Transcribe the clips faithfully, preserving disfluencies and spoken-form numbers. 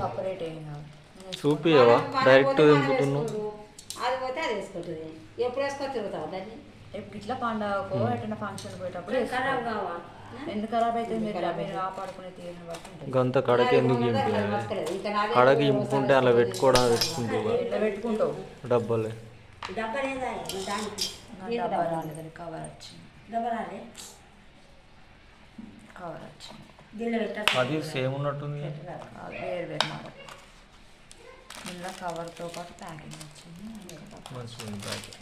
Separate ఏం కాదు. చూపియవా డైరెక్ట్ దింపుతున్నావు? అది పోతే అది వేసుకుంటుంది. ఎప్పుడు వేసుకొని తిరుగుతావు దాన్ని? ఇట్లా పండగకో ఎటైనా ఫంక్షన్ పోయేటప్పుడు ఖరాబ్ కావా? ఎందుకు ఖరాబ్ అయితే మీరు మీరు కాపాడుకునే తీరుని బట్టి ఉంటుంది. గంత కడకి ఎందుకు చింపి కడకి ఇంపుకుంటే అలా పెట్టుకోవడం పెట్టుకుంటావు ఎట్లా పెట్టుకుంటావు డబ్బలే డబ్బా లేదా దానికి? డబ్బా రాలేదని కవర్ వచ్చింది. డబ్బా రాలే, కవర్ వచ్చింది. దీనిలో పెట్టా. అది సేమ్ ఉన్నట్టుంది. వేరు వేరు మాట ఇలా కవర్తో పాటు ప్యాకింగ్ వచ్చింది. మంచిగా ఉంది ప్యాకింగ్.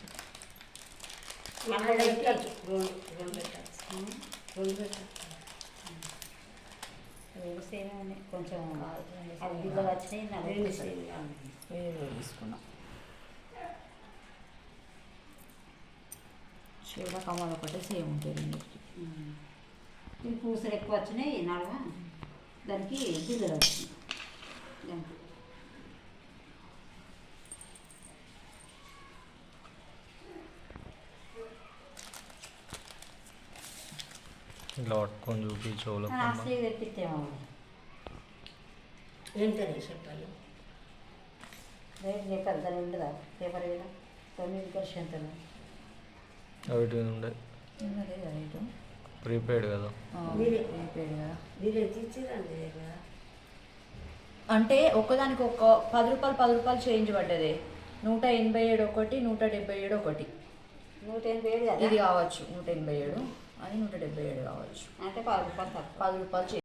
రెండు పెట్టచ్చు, రెండు పెట్టచ్చు. రెండు సేమ్ ఉన్నాయి. కొంచెం అవి దిగులు వచ్చినాయి. రెండు సేమ్ వేరు వేరు తీసుకున్నాం. చీర కమ్మలు ఒకటే సేమ్ ఉంటుంది రెండింటికి. ఇవి పూసలు ఎక్కువ వచ్చినాయి నడవ, దానికి దిగులు వచ్చినాయి. దానికి ఇట్లా పట్టుకొని చూపి చెవులో అసలు తెప్పిస్తేమో ఏంటది చెప్పాలి. రేట్ నీకు అంత ఉండదా? పేపర్ మీద తొమ్మిది పర్సెంట్ అవిటి ఉండే రేటు ప్రీపెయిడ్ కదా. ప్రీపెయిడ్ కదా. మీరు ఇచ్చిరండి కదా. అంటే ఒక్కదానికి ఒక పది రూపాయలు పది రూపాయలు చేంజ్ పడ్డది. నూట ఎనభై ఏడు ఒకటి, నూట డెబ్బై ఏడు ఒకటి. నూట ఎనభై ఏడు ఇది కావచ్చు నూట ఎనభై ఏడు, అది నూట డెబ్బై ఏడు కావచ్చు. అంటే పది రూపాయలు తక్కువ. పది రూపాయలు